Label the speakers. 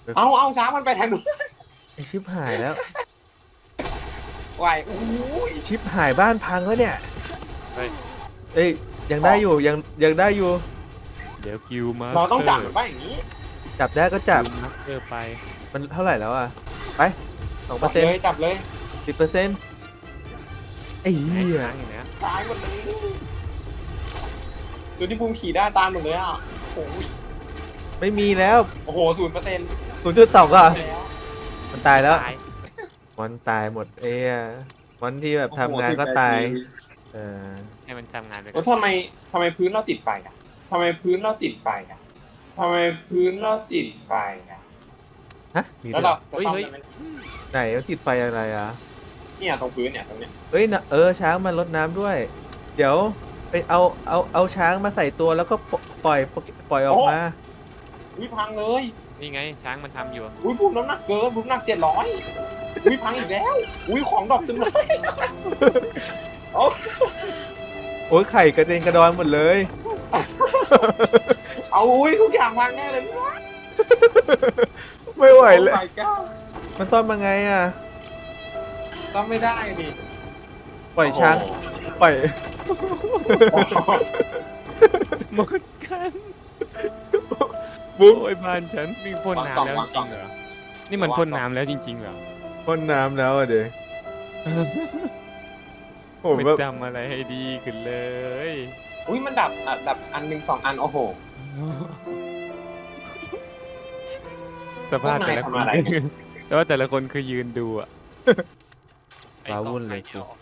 Speaker 1: เอาช้างมันไปทางนู้น
Speaker 2: ไอชิบหายแล้ว
Speaker 1: ไหวอู้ย
Speaker 2: ชิบหายบ้านพังแล้วเนี่ย
Speaker 3: เฮ้ย
Speaker 2: เอ้ยยังได้อยู่ยังได้อยู่
Speaker 3: เดี๋ยวกิวมา
Speaker 1: เราต้องจับมันไปอย่างนี้
Speaker 2: จับได้ก็จับ
Speaker 3: มาสเตอร์ไป
Speaker 2: มันเท่าไหร่แล้วอ่ะไป2%
Speaker 1: จับเลย
Speaker 2: 10%ไอ้เหี้ย
Speaker 3: ช้างอย่างเนี้ย
Speaker 1: ตายหมดเลยตัวที่ภูมิขี่ได้ตามหมดเลยอ่ะโอ้ย
Speaker 2: ไม่มีแล้ว
Speaker 1: โอ้โห0%
Speaker 2: 0.2อ่ะ
Speaker 1: แล้ว
Speaker 2: มันตายแล้ว
Speaker 3: ตาย
Speaker 2: มันตายหมดมันที่แบบทำงานก็ตายเออ
Speaker 3: ให้มันทำงานไปก่
Speaker 1: แล้
Speaker 3: อ
Speaker 1: วนทำไมพื้นเราติดไฟอ่ะทำไมพื้นเราติดไฟอ่ะทำไมพื้นเราติดไฟอ่ะ
Speaker 2: ฮะมี
Speaker 1: แล้ว
Speaker 2: ด้วย
Speaker 1: เราจะซ่อมได้ไหม
Speaker 2: ไหนมันติดไฟอะไรอ่ะ
Speaker 1: เนี่ยตรงพื้นเนี่ยตรงเนี้ย
Speaker 2: เอ้ยนะช้างมันรดน้ำด้วย เดี๋ยวไปเอาช้างมาใส่ตัวแล้วก็ปล่อยออกมา
Speaker 1: อุ้ยพังเลย
Speaker 3: นี่ไงช้างมันทำอยู่
Speaker 1: อุ้ยภูมิน้ำหนักเกินภูมิน้ำหนัก700อุ้ยพังอีกแล้วอุ้ยของดรอปเต็มเลยโอ้
Speaker 2: โอ้ยไข่กระเด็นกระดอนหมดเลย
Speaker 1: เอาอุ้ยทุกอย่างพังแน่เลย
Speaker 2: ไม่ไหวเลย
Speaker 1: โอ้ my god
Speaker 2: มันซ่อมยังไงอ่ะ
Speaker 1: ซ่อมไม่ได้ดิ
Speaker 2: ปล่อยช้างปล่อย
Speaker 1: โอ้โห
Speaker 3: หมดกัน
Speaker 2: บุ๊บ
Speaker 3: โอ้ยบ้านฉันนี่พ่นน้ำแล้วจริงๆเหรอนี่มันพ่นน้ำแล้วจริงๆเหรอ
Speaker 2: พ่นน้ำแล้วอ่ะเด็กผม
Speaker 3: ไม่
Speaker 2: แบบ
Speaker 3: จำอะไรให้ดีขึ้นเลย
Speaker 1: อุ้ยมันดับอันหนึ่ง2 อันโอ้โห
Speaker 3: สภาพแต่ละ
Speaker 1: พวก
Speaker 3: คน
Speaker 1: นายทำอะไร
Speaker 3: แต่ว่าแต่ละคนคือยืนดูอะ
Speaker 2: ว้าวุ่นเลย
Speaker 3: ไอ้
Speaker 2: กู
Speaker 3: ต่อ